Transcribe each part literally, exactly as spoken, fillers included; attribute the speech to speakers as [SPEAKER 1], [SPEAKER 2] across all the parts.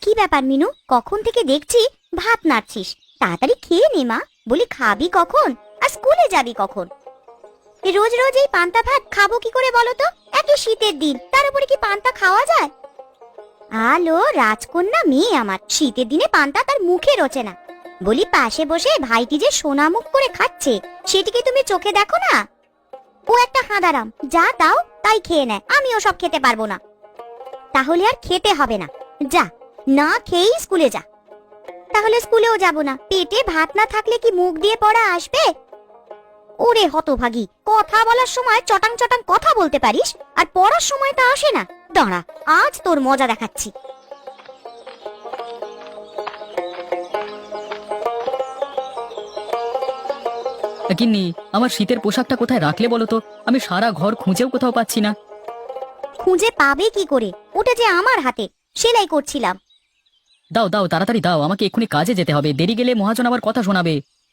[SPEAKER 1] কি ব্যাপার মিনু, কখন থেকে দেখছি ভাত নাড়ছিস? তাড়াতাড়ি খেয়ে নে মা। বলি খাবি কখন আর স্কুলে যাবি কখন? রোজ রোজ এই পান্তা ভাত খাবো কি করে বলো তো? এত শীতের দিন, তার উপরে কি পান্তা খাওয়া যায়? আলো রাজকন্যা মেয়ে আমার, শীতের দিনে পান্তা তার মুখে রোচে না। বলি পাশে বসে ভাইটি যে সোনা মুখ করে খাচ্ছে, সেটিকে তুমি চোখে দেখো না? ও একটা হাঁদারাম, যা দাও তাই খেয়ে নেয়, আমি ওসব খেতে পারবো না। তাহলে আর খেতে হবে না, যা না খেয়েই স্কুলে যা। তাহলে স্কুলেও যাব না, পেটে ভাত না থাকলে কি মুখ দিয়ে পড়া আসবে? ওরে হতভাগী, কথা বলার সময় চটাং চটাং কথা বলতে পারিস, আর পড়ার সময় তা আসে না। দাঁড়া, আজ তোর মজা দেখাচ্ছি।
[SPEAKER 2] গিন্নি, আমার শীতের পোশাকটা কোথায় রাখলে বলো তো? আমি সারা ঘর খুঁজেও কোথাও পাচ্ছি না।
[SPEAKER 1] খুঁজে পাবে কি করে? ওটা যে আমার হাতে, সেলাই করছিলাম।
[SPEAKER 2] দাও দাও, তাড়াতাড়ি দাও, আমাকে এক্ষুনি কাজে যেতে হবে, দেরি গেলে মহাজন আবার কথা শোনাবে।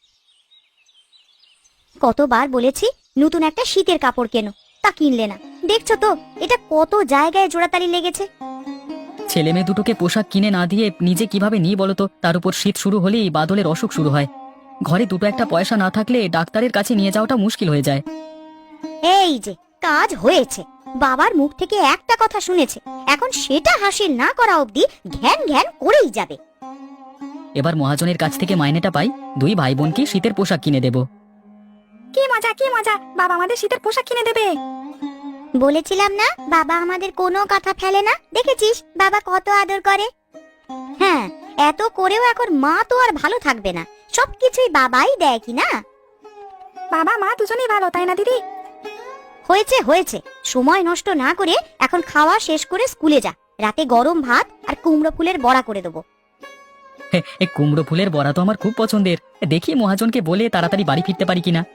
[SPEAKER 1] কতবার বলেছি নতুন একটা শীতের কাপড় কেনো, তা কিনলে না। দেখছো তো এটা কত জায়গায় জোড়াতালি লেগেছে।
[SPEAKER 2] ছেলে মেয়ে দুটোকে পোশাক কিনে না দিয়ে নিজে কিভাবে নিই বলো তো? তার উপর শীত শুরু হলেই বাদলের অসুখ শুরু হয়। ঘরে দুটো একটা পয়সা না থাকলে ডাক্তারের কাছে নিয়ে যাওয়াটা মুশকিল হয়ে যায়।
[SPEAKER 1] এই যে কাজ হয়েছে, বাবার মুখ থেকে একটা কথা শুনেছে, এখন সেটা হাসিল না করা অবধি ঘ্যান ঘ্যান করেই যাবে।
[SPEAKER 2] এবার মহাজনের কাছ থেকে মাইনেটা পাই, দুই ভাই বোনকে শীতের পোশাক কিনে দেব।
[SPEAKER 1] কি মজা কি মজা, বাবা আমাদের শীতের পোশাক কিনে দেবে। বলেছিলাম না বাবা আমাদের কোনো কথা ফেলে না, দেখেছিস বাবা কত আদর করে। হ্যাঁ, এত করেও এখন মা তো আর ভালো থাকবে না, সবকিছুই বাবাই দেয় কি না? বাবা মা দুজনেই ভালো, তাই না দিদি? হয়েছে হয়েছে, সময় নষ্ট না করে এখন খাওয়া শেষ করে স্কুলে যা। রাতে গরম ভাত আর কুমড়ো ফুলের বড়া করে দেবো।
[SPEAKER 2] এই কুমড়ো ফুলের বড়া তো আমার খুব পছন্দের, দেখি মহাজনকে বলে তাড়াতাড়ি বাড়ি ফিরতে পারি কিনা।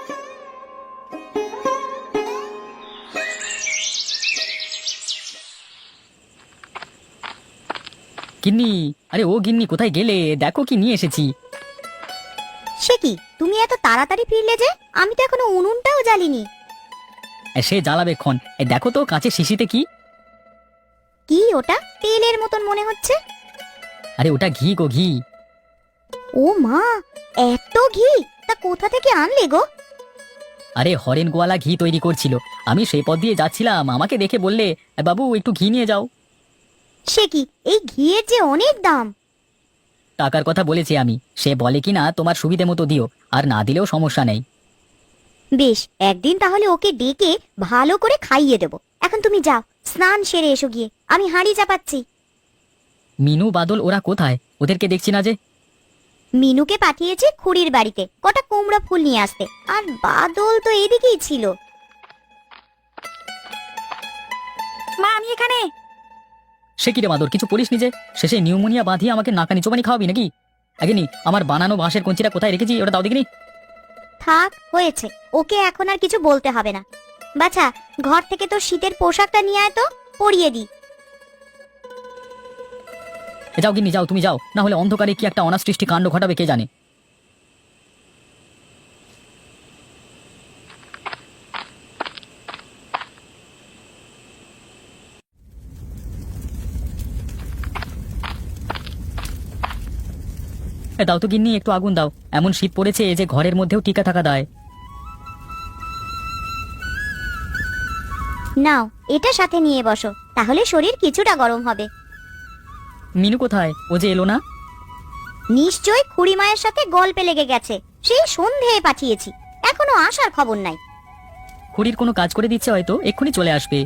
[SPEAKER 2] গিন্নি, আরে ও গিন্নি, কোথায় গেলে? দেখো কি নিয়ে এসেছি।
[SPEAKER 1] সে কি, তুমি এত তাড়াতাড়ি ফিরলে যে? আমি তো এখনো উনুনটাও জ্বালিনি।
[SPEAKER 2] সে জ্বালাবে ক্ষণ। এই দেখো তো কাঁচের শিশিতে কি।
[SPEAKER 1] কি ওটা? তেলের মতন মনে হচ্ছে।
[SPEAKER 2] আরে ওটা ঘি গো, ঘি।
[SPEAKER 1] ও মা, এত ঘি! তা কোথা থেকে আনলে গো?
[SPEAKER 2] আরে হরেন গোয়ালা ঘি তৈরি করছিল, আমি সেই পথ দিয়ে যাচ্ছিলাম, আমাকে দেখে বললে, বাবু একটু ঘি নিয়ে যাও।
[SPEAKER 1] সে কি, এই ঘিয়ের যে অনেক দাম।
[SPEAKER 2] টাকার কথা বলেছি আমি, সে বলে কিনা তোমার সুবিধে মতো দিও, আর না দিলেও সমস্যা নেই।
[SPEAKER 1] বেশ, একদিন তাহলে ওকে ডেকে ভালো করে খাইয়ে দেব। এখন তুমি যাও, স্নান সেরে এসো গিয়ে, আমি হাঁড়ি চাপাচ্ছি।
[SPEAKER 2] মিনু বাদল ওরা কোথায়? ওদেরকে দেখছি না যে।
[SPEAKER 1] মিনুকে পাঠিয়েছে খুড়ির বাড়িতে কটা কুমড়া ফুল নিয়ে আসতে, আর বাদল তো এদিকেই ছিল। মা আমি এখানে।
[SPEAKER 2] সে কি রে বাদল, কিছু পড়িস নিজে? শেষে নিউমোনিয়া বাঁধিয়ে আমাকে নাকানি চোবানি খাওয়াবি নাকি? আগেনি আমার বানানো বাঁশের কঞ্চিটা কোথায় রেখেছি, ওটা দাও দেখিনি।
[SPEAKER 1] থাক, হয়েছে, ওকে এখন আর কিছু বলতে হবে না। বাছা, ঘর থেকে তোর শীতের পোশাকটা নিয়ে আয় তো, পরিয়ে দি।
[SPEAKER 2] যাও গিন্নি যাও, তুমি যাও, না হলে অন্ধকারে কি একটা অনাসৃষ্টি কাণ্ড ঘটাবে কে জানে। এ দাও তো গিন্নি, একটু আগুন দাও, এমন শীত পড়েছে যে ঘরের মধ্যেও টিকা থাকা দায়।
[SPEAKER 1] নাও, এটা সাথে নিয়ে বসো, তাহলে শরীর কিছুটা গরম হবে।
[SPEAKER 2] মিনু কোথায়? ও যে এলো না।
[SPEAKER 1] নিশ্চয় খুড়ি মায়ের সাথে গল্পে লেগে গেছে, সেই সন্ধেয় পাঠিয়েছি, এখনো আসার খবর নাই।
[SPEAKER 2] খুড়ির কোনো কাজ করে দিচ্ছে হয়তো, এক্ষুনি চলে আসবে।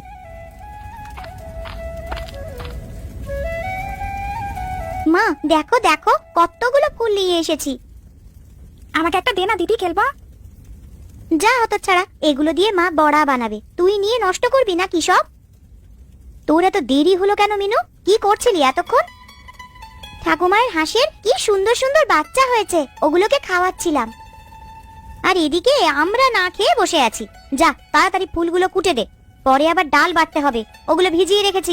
[SPEAKER 1] মা দেখো দেখো, কতগুলো ফুল নিয়ে এসেছি। আমাকে একটা দে না দিদি, খেলবা। যা হতো ছাড়া, এগুলো দিয়ে মা বড়া বানাবে, তুই নিয়ে নষ্ট করবি না কি সব? তোর এত দেরি হলো কেন মিনু? কি করছিলি এতক্ষণ? ঠাকুমায়ের হাঁসের কি সুন্দর সুন্দর বাচ্চা হয়েছে, ওগুলোকে খাওয়াচ্ছিলাম। আর এদিকে আমরা না খেয়ে বসে আছি। যা তাড়াতাড়ি ফুলগুলো কুটে দে, পরে আবার ডাল বাটতে হবে, ওগুলো ভিজিয়ে রেখেছি।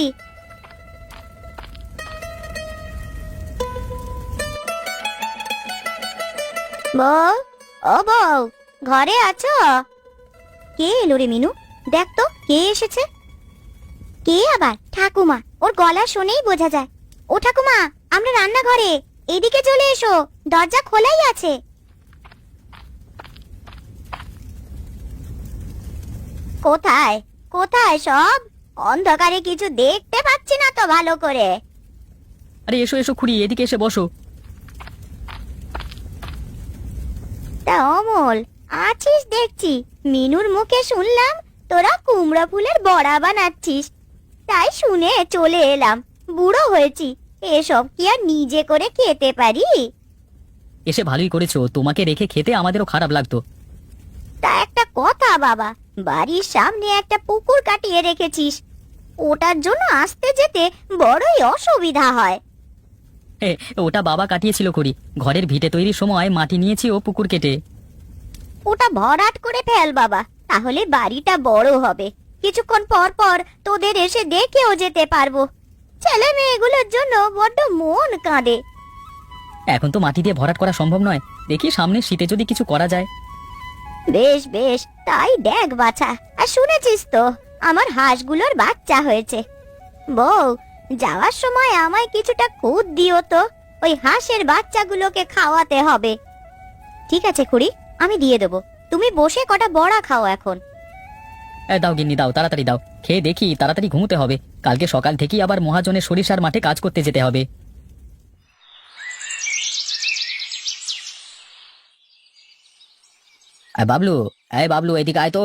[SPEAKER 1] বউ, ও বউ, ঘরে আছো? কে এলো রে মিনু? দেখ তো কে এসেছে। কে আবার? ঠাকুমা, ওর গলা শুনেই বোঝা যায়। ও ঠাকুমা, আমরা রান্নাঘরে, এদিকে চলে এসো, দরজা খোলাই আছে। কোথায় কোথায় সব? অন্ধকারে কিছু দেখতে পাচ্ছি না তো ভালো করে।
[SPEAKER 2] আরে এসো এসো খুড়ি, এদিকে এসে বসো।
[SPEAKER 1] তা অমল, আছিস দেখছি। মিনুর মুখে শুনলাম তোরা কুমড়া ফুলের বড়া বানাচ্ছিস, তাই শুনে চলে এলাম। বুড়ো হয়েছি, এসব কি আর নিজে করে খেতে পারি?
[SPEAKER 2] এসে ভালোই করেছো, তোমাকে রেখে খেতে আমাদেরও খারাপ লাগতো।
[SPEAKER 1] তা একটা কথা বাবা, বাড়ির সামনে একটা পুকুর কাটিয়ে রেখেছিস, ওটার জন্য আসতে যেতে বড়ই অসুবিধা হয়।
[SPEAKER 2] এ, ওটা বাবা কাটিয়েছিল করি, ঘরের ভিটে তৈরির সময় মাটি নিয়েছি ও পুকুর কেটে।
[SPEAKER 1] ওটা ভরাট করে ফেল বাবা, তাহলে বাড়িটা বড় হবে। কিছুক্ষণ পর পর তোদের এসে দেখেও যেতে পারবো। ছেলে মেয়েগুলোর জন্য বড্ড মন কাঁদে।
[SPEAKER 2] এখন তো মাটি দিয়ে ভরাট করা সম্ভব নয়, দেখি সামনে শীতে যদি কিছু করা যায়।
[SPEAKER 1] বেশ বেশ, তাই দেখ বাছা। আর শুনেছিস তো, আমার হাঁসগুলোর বাচ্চা হয়েছে। বউ, যাওয়ার সময় আমায় কিছুটা খুদ দিও তো, ওই হাঁসের বাচ্চাগুলোকে খাওয়াতে হবে। ঠিক আছে খুড়ি, আমি দিয়ে দেবো। তুমি বসে কটা বড়া খাও এখন।
[SPEAKER 2] এ, দাও গিন্নি দাও, তাড়াতাড়ি দাও, খেয়ে দেখি তাড়াতাড়ি ঘুমোতে হবে। কালকে সকাল থেকেই আবার মহাজনের সরিষার মাঠে কাজ করতে যেতে হবে। এ, বাবলু, এই বাবলু, এদিকে আয় তো।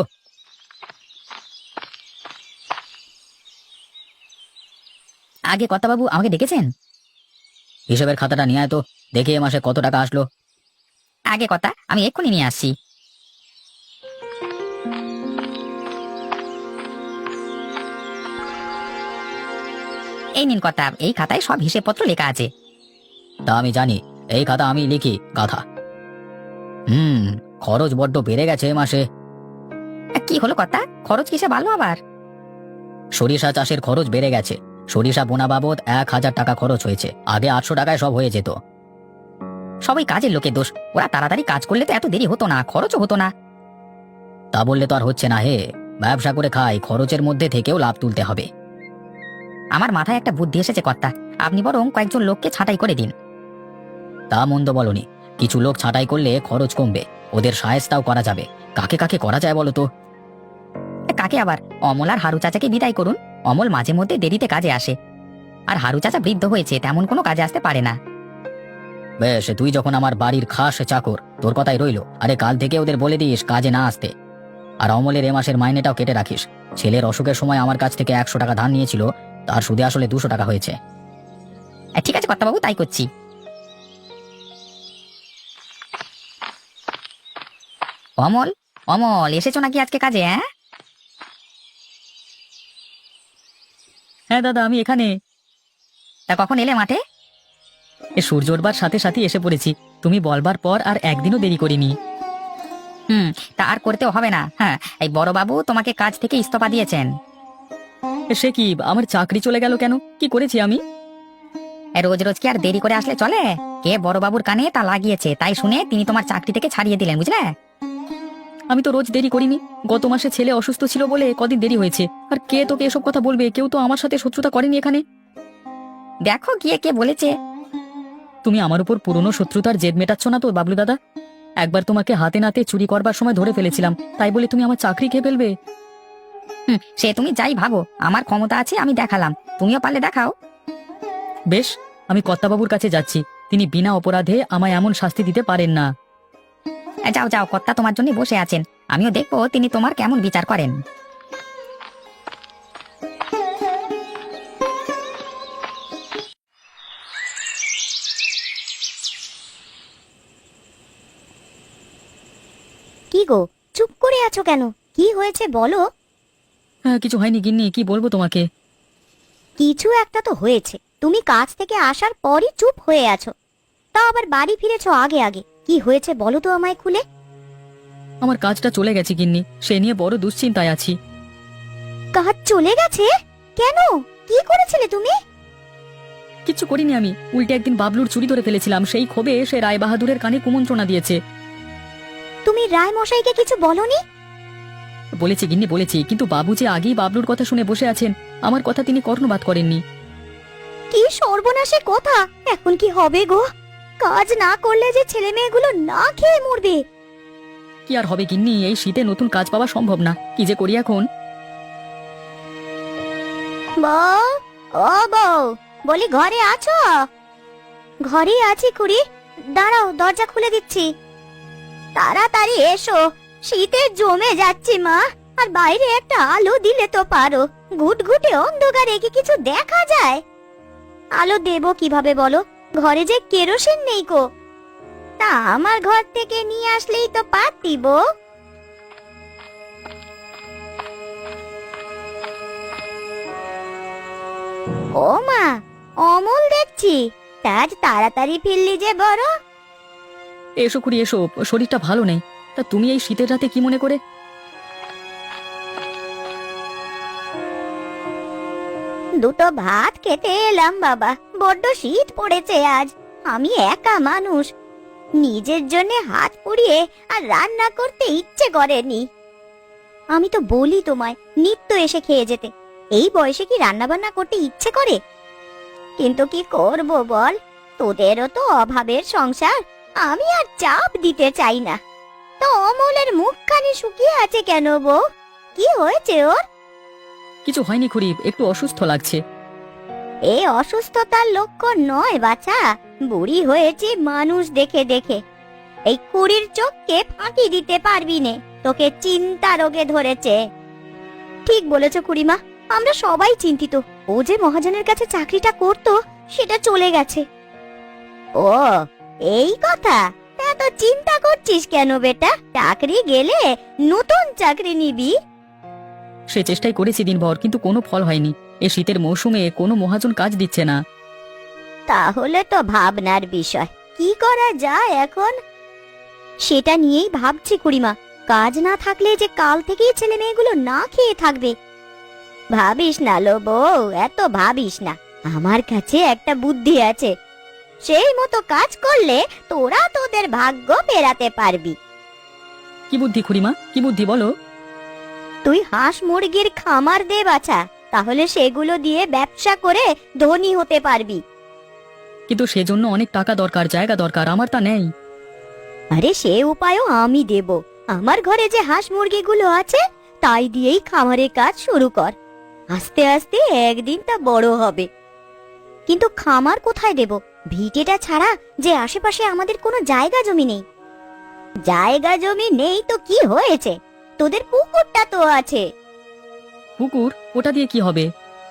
[SPEAKER 2] আগে কর্তাবাবু আমাকে ডেকেছেন? হিসাবের খাতাটা নিয়ে আয় তো, দেখি এ মাসে কত টাকা আসলো। আগে কথা, আমি এক্ষুনি নিয়ে আসছি। এই নিন কথা, এই খাতায় সব হিসেবপত্র লেখা আছে। তা আমি জানি, এই খাতা আমি লিখি গাধা। হুম, খরচ বড্ড বেড়ে গেছে এ মাসে। কি হলো কথা, খরচ কিসে বাড়লো আবার? সরিষা চাষের খরচ বেড়ে গেছে। সরিষা বোনা বাবদ এক হাজার টাকা খরচ হয়েছে, আগে আটশো টাকায় সব হয়ে যেত। সবাই কাজের লোকের দোষ, ওরা তাড়াতাড়ি কাজ করলে তো এত দেরি হতো না, খরচও হতো না। তা বললে তো আর হচ্ছে না হে, ব্যবসা করে খাই, খরচের মধ্যে থেকেও লাভ তুলতে হবে। আমার মাথায় একটা বুদ্ধি এসেছে কর্তা, আপনি বরং কয়েকজন লোককে ছাঁটাই করে দিন। তা মন্দ বলনি, কিছু লোক ছাঁটাই করলে খরচ কমবে, ওদের সায়স্তাও করা যাবে। কাকে কাকে করা যায় বলো তো? কাকে আবার? অমল আর হারু চাচাকে বিদায় করুন। অমল মাঝে মধ্যে দেরিতে কাজে আসে, আর হারু চাচা বৃদ্ধ হয়েছে, তেমন কোনো কাজে আসতে পারে না। বেশ, তুই যখন আমার বাড়ির খাস চাকর, তোর কথাই রইলো। আরে কাল থেকে ওদের বলে দিস কাজে না আসতে। আর অমলের এ মাসের মাইনেটাও কেটে রাখিস। ছেলের অসুখের সময় আমার কাছ থেকে একশো টাকা ধার নিয়েছিল, তার সুদে আসলে দুশো টাকা হয়েছে। ঠিক আছে কর্তাবাবু, তাই করছি। অমল, অমল এসেছো নাকি আজকে কাজে? হ্যাঁ হ্যাঁ দাদা, আমি এখানে। তা কখন এলে মাঠে? এ সূর্য ওঠবার সাথে সাথে এসে পড়েছি, তুমি বলবার পর আর একদিনও দেরি করিনি। হুম, তা আর করতেও হবে না। হ্যাঁ, এই বড়বাবু তোমাকে কাজ থেকে ইস্তফা দিয়েছেন। সে কি, আমার চাকরি চলে গেল কেন? কি করেছি আমি? রোজ রোজ কি আর দেরি করে আসলে চলে? কে বড়বাবুর কানে তা লাগিয়েছে, তাই শুনে তিনি তোমার চাকরি থেকে ছাড়িয়ে দিলেন, বুঝলে? আমি তো রোজ দেরি করিনি, গত মাসে ছেলে অসুস্থ ছিল বলে কদিন দেরি হয়েছে। আর কে তোকে এসব কথা বলবে? কেউ তো আমার সাথে শত্রুতা করেনি এখানে। দেখো গিয়ে কে বলেছে। তুমি আমার উপর পুরনো শত্রুতার জেদ মেটাচ্ছ না তো বাবলু দাদা? একবার তোমাকে হাতে নাতে চুরি করবার সময় ধরে ফেলেছিলাম, তাই বলে তুমি আমার চাকরি খেয়ে ফেলবে? হুম, সে তুমি যাই ভাবো, আমার ক্ষমতা আছে, আমি দেখালাম, তুমিও পারলে দেখাও। বেশ, আমি কর্তাবাবুর কাছে যাচ্ছি, তিনি বিনা অপরাধে আমায় এমন শাস্তি দিতে পারেন না। যাও যাও, কর্তা তোমার জন্য বসে আছেন, আমিও দেখবো তিনি তোমার কেমন বিচার করেন।
[SPEAKER 1] কি গো, চুপ করে আছো কেন? কি হয়েছে বলো।
[SPEAKER 2] হ্যাঁ, কিছু হয়নি গিন্নি, কি বলবো তোমাকে।
[SPEAKER 1] কিছু একটা তো হয়েছে, তুমি কাজ থেকে আসার পরই চুপ হয়ে আছো, তাও আবার বাড়ি ফিরেছো আগে আগে। কি হয়েছে বলো তো আমায় খুলে।
[SPEAKER 2] আমার কাজটা চলে গেছে গিন্নি, সে নিয়ে বড় দুশ্চিন্তায় আছি।
[SPEAKER 1] কাজ চলে গেছে? কেন, কি করেছিলে তুমি?
[SPEAKER 2] কিচ্ছু করিনি আমি, উল্টে একদিন বাবলুর চুরি ধরে ফেলেছিলাম, সেই ক্ষোভে সে রায় বাহাদুরের কানে কুমন্ত্রণা দিয়েছে।
[SPEAKER 1] তুমি রায় মশাইকে কিছু বলনি?
[SPEAKER 2] বলেছি গিন্নি বলেছি, কিন্তু বাবু যে আগেই বাবলুর কথা শুনে বসে আছেন, আমার কথা তিনি কর্ণপাত করেননি।
[SPEAKER 1] কি সর্বনাশে কথা! এখন কি হবে গো? কাজ না করলে যে ছেলে মেয়েগুলো না খেয়ে মরবে।
[SPEAKER 2] কি আর হবে গিন্নি, এই শীতে নতুন কাজ পাওয়া সম্ভব না, কি যে করি এখন।
[SPEAKER 1] বউ, ও বউ, বলি ঘরে আছো? ঘরেই আছি খুড়ি, দাঁড়াও দরজা খুলে দিচ্ছি। তাড়াতাড়ি এসো, শীতে জমে যাচ্ছি মা। আর বাইরে একটা আলো দিলে তো পারো, ঘুটঘুটে অন্ধকারে কি কিছু দেখা যায়? আলো দেবো কিভাবে বলো, ঘরে যে কেরোসিন নেই কো। তা আমার ঘর থেকে নিয়ে আসলেই তো পারতি বউ। ও মা, অমল দেখছি, তা আজ তাড়াতাড়ি ফিরলি যে বড়।
[SPEAKER 2] এসো খুড়ি এসো, শরীরটা ভালো নেই। তা তুমি এই শীতের রাতে কি মনে করে?
[SPEAKER 1] দুটো ভাত খেতে এলাম বাবা, বড্ড শীত পড়েছে আজ। আমি একা মানুষ, নিজের জন্য হাত পুড়িয়ে আর রান্না করতে ইচ্ছে করেনি। আমি তো বলি তোমায় নিত্য এসে খেয়ে যেতে, এই বয়সে কি রান্না বান্না করতে ইচ্ছে করে? কিন্তু কি করব বল, তোদেরও তো অভাবের সংসার, আমি আর চাপ দিতে চাই না। তো অমলের মুখখানি শুকিয়ে আছে কেন বউ? কি হয়েছে ওর?
[SPEAKER 2] কিছু হয়নি খুড়ি, একটু অসুস্থ লাগছে।
[SPEAKER 1] এই অসুস্থতার লক্ষণ নয় বাছা, বুড়ি হয়েছে মানুষ দেখে দেখে। এই কুড়ির চোখকে ফাঁকি দিতে পারবি নে, তোকে চিন্তা রোগে ধরেছে। ঠিক বলেছ খুড়িমা, আমরা সবাই চিন্তিত। ও যে মহাজনের কাছে চাকরিটা করতো সেটা চলে গেছে। ও এই কথা, তা তো চিন্তা করছিস কেন বেটা? চাকরি গেলে নতুন চাকরি নিবি।
[SPEAKER 2] সে চেষ্টাই করেছি দিনভর, কিন্তু কোনো ফল হয়নি। এ শীতের মৌসুমে কোনো মহাজন কাজ দিচ্ছে না।
[SPEAKER 1] তাহলে তো ভাবনার বিষয়, কি করা যায় এখন? সেটা নিয়েই ভাবছি খুড়িমা, কাজ না থাকলে যে কাল থেকেই ছেলে মেয়েগুলো না খেয়ে থাকবে। ভাবিস না লো বউ, এত ভাবিস না। আমার কাছে একটা বুদ্ধি আছে, সেই মতো কাজ করলে তোরা তোদের ভাগ্য ফেরাতে পারবি।
[SPEAKER 2] কি বুদ্ধি খুড়িমা, কি বুদ্ধি বলো?
[SPEAKER 1] তুই হাঁস মুরগির খামার দে বাছা, তাহলে সেগুলো দিয়ে ব্যবসা করে ধনী হতে পারবি।
[SPEAKER 2] কিন্তু সেজন্য অনেক টাকা দরকার, জায়গা দরকার, আমার তা নেই।
[SPEAKER 1] আরে সে উপায়ও আমি দেব। আমার ঘরে যে হাঁস মুরগিগুলো আছে তাই দিয়েই খামারের কাজ শুরু কর, আস্তে আস্তে একদিন তা বড় হবে। কিন্তু খামার কোথায় দেব? ভিটেটা ছাড়া যে আশেপাশে আমাদের কোনো জায়গা জমি নেই। জায়গা জমি নেই তো কি হয়েছে, তোদের পুকুরটা তো আছে।
[SPEAKER 2] পুকুর? ওটা দিয়ে কি হবে?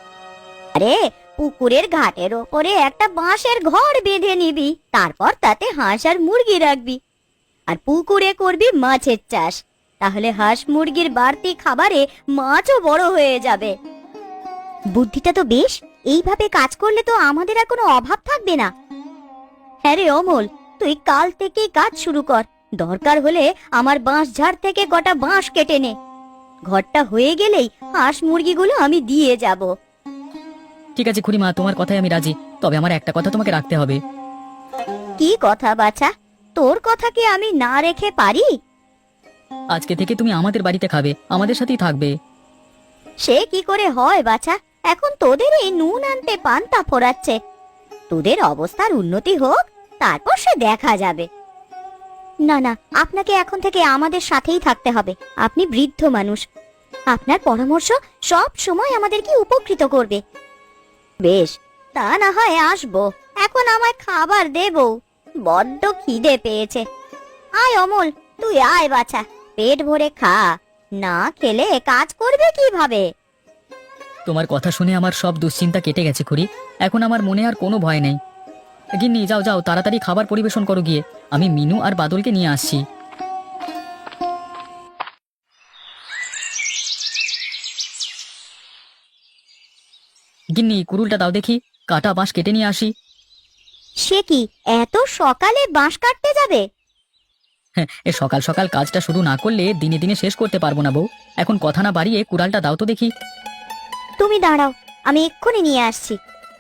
[SPEAKER 1] আরে পুকুরের ঘাটের ওপরে একটা বাঁশের ঘর বেঁধে নিবি, তারপর তাতে হাঁস আর মুরগি রাখবি। আর পুকুরে করবি মাছের চাষ, তাহলে হাঁস মুরগির বাড়তি খাবারে মাছও বড় হয়ে যাবে। বুদ্ধিটা তো বেশ, এইভাবে কাজ করলে তো আমাদের আর কোনো অভাব থাকবে না। হ্যাঁ রে অমল, তুই কাল থেকেই কাজ শুরু কর। দরকার হলে আমার বাঁশ ঝাড় থেকে কটা বাঁশ কেটে নে। ঘরটা হয়ে গেলেই হাঁস মুরগিগুলো আমি দিয়ে যাব।
[SPEAKER 2] ঠিক আছে খুড়িমা, তোমার কথায় আমি রাজি, তবে আমার একটা কথা তোমাকে রাখতে হবে।
[SPEAKER 1] কি কথা বাছা? তোর কথা কি আমি না রেখে পারি?
[SPEAKER 2] আজকে থেকে তুমি আমাদের বাড়িতে খাবে, আমাদের সাথেই থাকবে।
[SPEAKER 1] সে কি করে হয় বাছা, এখন তোদের এই নুন আনতে পান্তা ফোরাচ্ছে। তোদের অবস্থার উন্নতি হোক, তারপর সে দেখা যাবে। না না, আপনাকে এখন থেকে আমাদের সাথেই থাকতে হবে। আপনি বৃদ্ধ মানুষ, আপনার পরামর্শ সব সময় আমাদেরকে উপকৃত করবে। বেশ, তা না হয় আসবো। এখন আমায় খাবার দেব, বড্ড খিদে পেয়েছে। আয় অমল, তুই আয় বাছা, পেট ভরে খা, না খেলে কাজ করবে কিভাবে?
[SPEAKER 2] তোমার কথা শুনে আমার সব দুশ্চিন্তা কেটে গেছে খুড়ি, এখন আমার মনে আর কোনো ভয় নেই। গিন্নি যাও যাও, তাড়াতাড়ি খাবার পরিবেশন করো গিয়ে, আমি মিনু আর বাদলকে নিয়ে আসছি। গিন্নি কুড়ুলটা দাও দেখি, কাটা বাঁশ কেটে নিয়ে আসি।
[SPEAKER 1] সে কি, এত সকালে বাঁশ কাটতে যাবে?
[SPEAKER 2] হ্যাঁ, এ সকাল সকাল কাজটা শুরু না করলে দিনে দিনে শেষ করতে পারবো না বউ। এখন কথা না বাড়িয়ে কুড়ালটা দাও তো দেখি।
[SPEAKER 1] তুমি দাঁড়াও, আমি এক্ষুনি নিয়ে আসছি।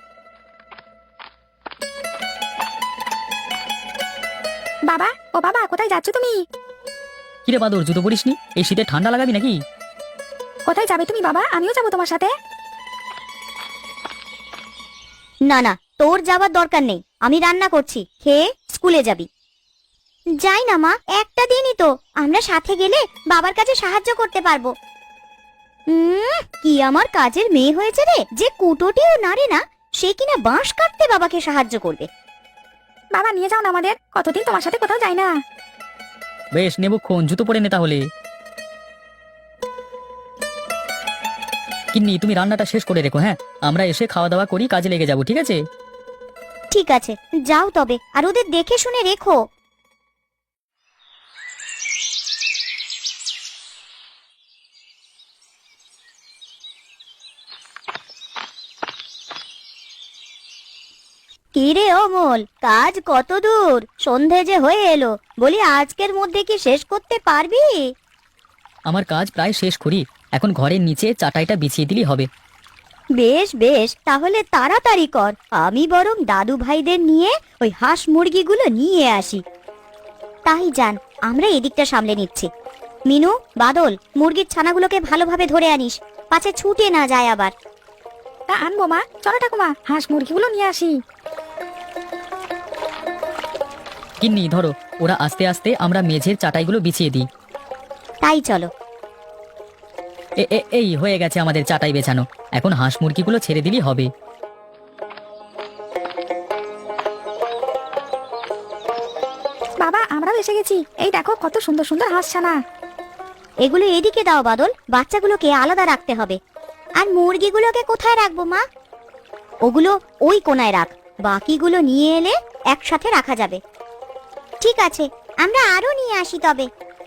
[SPEAKER 1] বাবা, ও বাবা, কোথায় যাচ্ছ তুমি?
[SPEAKER 2] কিরে বাদর, জুতো পরিসনি? এই শীতে ঠান্ডা লাগাবি নাকি?
[SPEAKER 1] কোথায় যাবে তুমি বাবা? আমিও যাবো তোমার সাথে। না না, তোর যাবার দরকার নেই, আমি রান্না করছি, খেয়ে স্কুলে যাবি। যাই না মা, একটা দিনই তো, আমরা সাথে গেলে বাবার কাছে সাহায্য করতে পারবো। উম, কি আমার কাজের মেয়ে হয়েছে রে, যে কুটোটিও নাড়ে না সে কিনা বাঁশ কাটতে বাবাকে সাহায্য করবে।
[SPEAKER 3] বাবা নিয়ে যাও না আমাদের, কতদিন তোমার সাথে কোথাও যাই না।
[SPEAKER 2] বেশ নেবুক্ষণ, জুতো পরে নে তাহলে। কিন্নি, তুমি রান্নাটা শেষ করে রেখো, হ্যাঁ? আমরা এসে খাওয়া দাওয়া করি, কাজে লেগে যাবো, ঠিক আছে?
[SPEAKER 1] ঠিক আছে, যাও তবে, আর ওদের দেখে শুনে রেখো। কিরে অমল, কাজ কত দূর? সন্ধে যে হয়ে এলো, বলি আজকের মধ্যে কি শেষ করতে পারবি?
[SPEAKER 2] আমার কাজ প্রায় শেষ করি, এখন ঘরের নিচে চাটাইটা বিছিয়ে দিলেই হবে।
[SPEAKER 1] বেশ বেশ, তাহলে তাড়াতাড়ি কর, আমি বরং দাদু ভাইদের নিয়ে ওই হাঁস মুরগিগুলো নিয়ে আসি। তাই যান, আমরা এদিকটা সামলে নিচ্ছি। মিনু, বাদল, মুরগির ছানাগুলোকে ভালোভাবে ধরে আনিস, পাছে ছুটে না যায় আবার।
[SPEAKER 3] তা আনবো মা, চলো ঠাকুমা হাঁস মুরগিগুলো নিয়ে আসি।
[SPEAKER 2] কিন্নি ধরো, ওরা আস্তে আস্তে আমরা মেঝের চাটাইগুলো বিছিয়ে দিই।
[SPEAKER 1] তাই চলো।
[SPEAKER 2] এ এ- এই হয়ে গেছে আমাদের চাটাই বেছানো, এখন হাঁস মুরগিগুলো ছেড়ে দিলেই হবে।
[SPEAKER 3] বাবা আমরাও এসে গেছি, এই দেখো কত সুন্দর সুন্দর হাঁস ছানা।
[SPEAKER 1] এগুলো এদিকে দাও বাদল, বাচ্চাগুলোকে আলাদা রাখতে হবে। আর মুরগিগুলোকে কোথায় রাখবো মা? ওগুলো ওই কোনায় রাখ, বাকিগুলো নিয়ে এলে একসাথে রাখা যাবে। ঠিক আছে, আমরা আরো নিয়ে আসি তবে।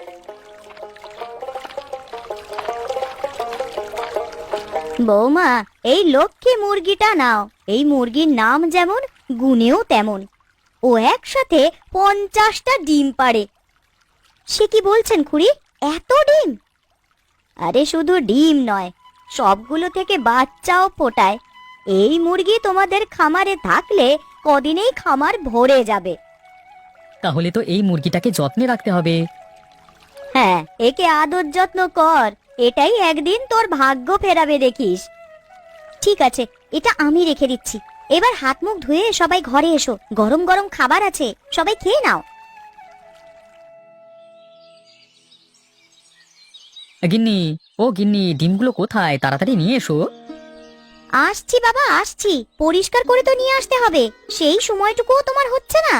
[SPEAKER 1] বৌমা, এই লক্ষ্মী মুরগিটা নাও, এই মুরগির নাম যেমন গুণেও তেমন, ও একসাথে পঞ্চাশটা ডিম পাড়ে। সে কি বলছেন খুড়ি, এত ডিম? আরে শুধু ডিম নয়, সবগুলো থেকে বাচ্চাও ফোটায়। এই মুরগি তোমাদের খামারে থাকলে কদিনেই খামার ভরে যাবে।
[SPEAKER 2] তাহলে তো এই মুরগিটাকে যত্নে রাখতে হবে।
[SPEAKER 1] হ্যাঁ, একে আদর যত্ন কর, এটাই একদিন তোর ভাগ্য ফেরাবে দেখিস। ঠিক আছে, এটা আমি রেখে দিচ্ছি। এবার হাত মুখ ধুয়ে সবাই ঘরে এসো, গরম গরম খাবার আছে, সবাই খেয়ে নাও।
[SPEAKER 2] গিন্নি, ও গিন্নি, ডিমগুলো কোথায়? তাড়াতাড়ি নিয়ে এসো।
[SPEAKER 1] আসছি বাবা, আসছি, পরিষ্কার করে তো নিয়ে আসতে হবে, সেই সময়টুকুও তোমার হচ্ছে না।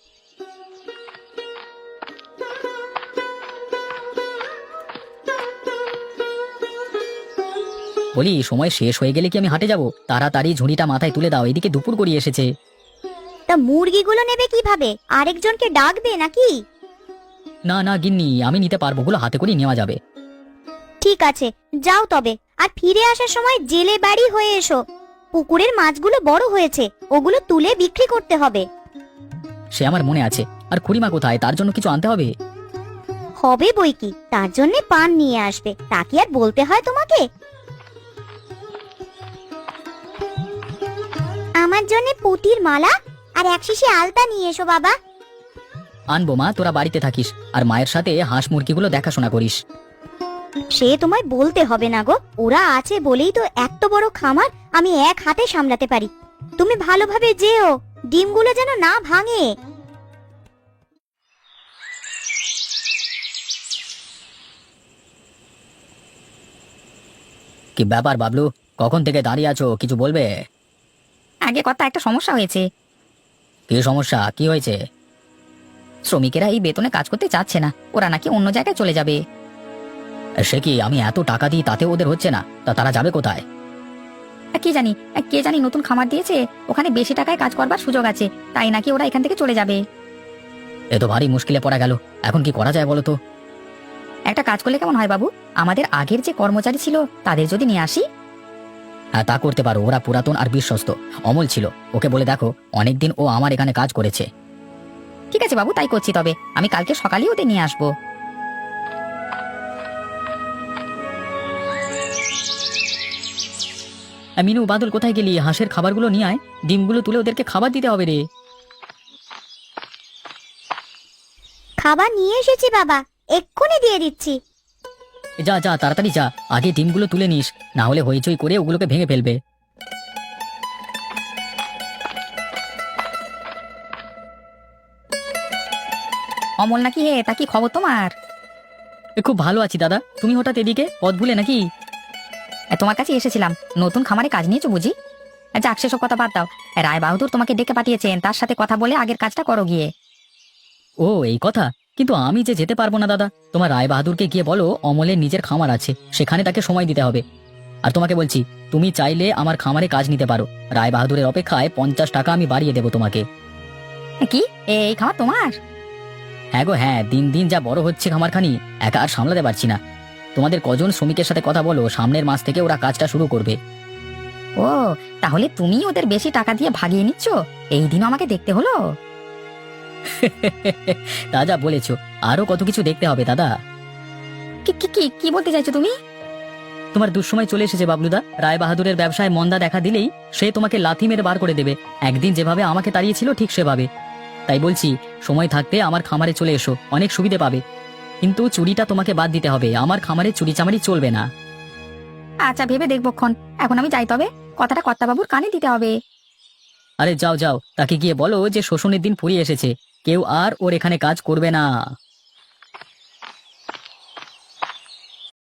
[SPEAKER 2] বলি, সময় শেষ হয়ে গেলে কি আমি হাটে যাব? তাড়াতাড়ি ঝুড়িটা মাথায় তুলে দাও, এদিকে দুপুর গড়িয়ে এসেছে।
[SPEAKER 1] তা মুরগিগুলো নেবে কিভাবে? আরেকজনকে ডাকবে নাকি?
[SPEAKER 2] না না গিন্নি, আমি নিতে পারবো, ওগুলো হাতে করে নেওয়া যাবে।
[SPEAKER 1] ঠিক আছে, যাও তবে, আর ফিরে আসার সময় জেলে বাড়ি হয়ে এসো। পুকুরের মাছগুলো বড় হয়েছে, ওগুলো তুলে বিক্রি করতে হবে।
[SPEAKER 2] সে আমার মনে আছে। আর খুড়িমা কোথায়? তার জন্য কিছু আনতে হবে।
[SPEAKER 1] হবে বই কি, তার জন্য পান নিয়ে আসবে, তা কি আর বলতে হয় তোমাকে? আমার জন্য পুঁতির মালা আর এক শিশি আলতা নিয়ে এসো বাবা।
[SPEAKER 2] আনবো মা, তোরা বাড়িতে থাকিস, আর মায়ের সাথে হাঁস মুরগিগুলো দেখাশোনা করিস।
[SPEAKER 1] সে তোমায় বলতে হবে না গো, ওরা আছে বলেই তো এত বড় খামার আমি এক হাতে সামলাতে পারি। তুমি ভালোভাবে যেও, ডিমগুলো যেন না ভাঙে।
[SPEAKER 2] কি ব্যাপার বাবলু, কখন থেকে দাঁড়িয়ে আছো? কিছু বলবে?
[SPEAKER 3] আগে কথা একটা সমস্যা হয়েছে।
[SPEAKER 2] কি সমস্যা? কি হয়েছে?
[SPEAKER 3] শ্রমিকেরা এই বেতনে কাজ করতে চাচ্ছে না, ওরা নাকি অন্য জায়গায় চলে যাবে।
[SPEAKER 2] সে কি, আমি এত টাকা দিই তাতে ওদের হচ্ছে না? তা তারা যাবে কোথায়?
[SPEAKER 3] আর কে জানি, আর কে জানি নতুন খামার দিয়েছে, ওখানে বেশি টাকায় কাজ করবার সুযোগ আছে, তাই নাকি ওরা এখান থেকে চলে যাবে।
[SPEAKER 2] এ তো ভারী মুশকিলে পড়া গেল, এখন কি করা যায় বলো তো?
[SPEAKER 3] একটা কাজ করলে কেমন হয় বাবু, আমাদের আগের যে কর্মচারী ছিল তাদের যদি নিয়ে আসি।
[SPEAKER 2] হ্যাঁ, তা করতে পারো, ওরা পুরাতন আর বিশ্বস্ত। অমল ছিল, ওকে বলে দেখো, অনেকদিন ও আমার এখানে কাজ করেছে।
[SPEAKER 3] ঠিক আছে বাবু, তাই করছি, তবে আমি কালকে সকালেই ওদের নিয়ে আসবো।
[SPEAKER 2] আহ, মিনু, বাদল কোথায় গেলি? হাঁসের খাবারগুলো নিয়ে আয়, ডিমগুলো তুলে ওদেরকে খাবার দিতে হবে রে।
[SPEAKER 1] খাবার নিয়ে এসেছি বাবা, এক্ষুনি দিয়ে দিচ্ছি।
[SPEAKER 2] যা যা, তাড়াতাড়ি যা, আগে ডিমগুলো তুলে নিস, না হলে হইচই করে ওগুলোকে ভেঙে ফেলবে।
[SPEAKER 3] অমল নাকি হে, তা কি খবর তোমার?
[SPEAKER 2] এ, খুব ভালো আছি দাদা। তুমি হঠাৎ এদিকে পথ ভুলে নাকি?
[SPEAKER 3] এ, তোমার কাছে এসেছিলাম, নতুন খামারে কাজ নিয়েছো বুঝি? এ, যাক সেসব কথা বাদ দাও। এ, রায় বাহাদুর তোমাকে ডেকে পাঠিয়েছেন, তার সাথে কথা বলে আগের কাজটা করো গিয়ে।
[SPEAKER 2] ও এই কথা। কিন্তু আমি যে যেতে পারবো না দাদা। তোমার রায় বাহাদুরকে গিয়ে বলো অমলের নিজের খামার আছে, সেখানে তাকে সময় দিতে হবে। আর তোমাকে বলছি, তুমি চাইলে আমার খামারে কাজ নিতে পারো। রায় বাহাদুরের অপেক্ষায় পঞ্চাশ টাকা আমি বাড়িয়ে দেবো তোমাকে।
[SPEAKER 3] এ, কি এ, এই খামার তোমার?
[SPEAKER 2] হ্যাঁ গো হ্যাঁ, দিন দিন যা বড় হচ্ছে খামারখানি, একা আর সামলাতে পারছি না। তোমাদের কজন শ্রমিকের সাথে কথা বলো, সামনের মাস থেকে ওরা কাজটা শুরু করবে।
[SPEAKER 3] ও, তাহলে তুমি ওদের বেশি টাকা দিয়ে ভাগিয়ে নিচ্ছ? এই দিনও আমাকে দেখতে হলো।
[SPEAKER 2] তা যা বলেছো, আরো কত কিছু দেখতে হবে দাদা।
[SPEAKER 3] কি কি কি কি বলতে চাইছো তুমি?
[SPEAKER 2] তোমার দুঃসময় চলে এসেছে বাবলুদা। রায় বাহাদুরের ব্যবসায় মন্দা দেখা দিলেই সে তোমাকে লাথি মেরে বার করে দেবে। একদিন যেভাবে আমাকে তাড়িয়েছিল ঠিক সেভাবে। তাই বলছি, সময় থাকতে আমার খামারে চলে এসো, অনেক সুবিধে পাবে। কিন্তু চুরিটা তোমাকে বাদ দিতে হবে, আমার খামারে চুরি চামারি চলবে না।
[SPEAKER 3] আচ্ছা, ভেবে দেখবো ক্ষণ। এখন আমি যাই তবে, কথাটা কর্তাবাবুর কানে দিতে হবে।
[SPEAKER 2] আরে যাও যাও, তাকে গিয়ে বলো যে শোষণের দিন ফুরিয়ে এসেছে, কেউ আর ওর এখানে কাজ করবে না।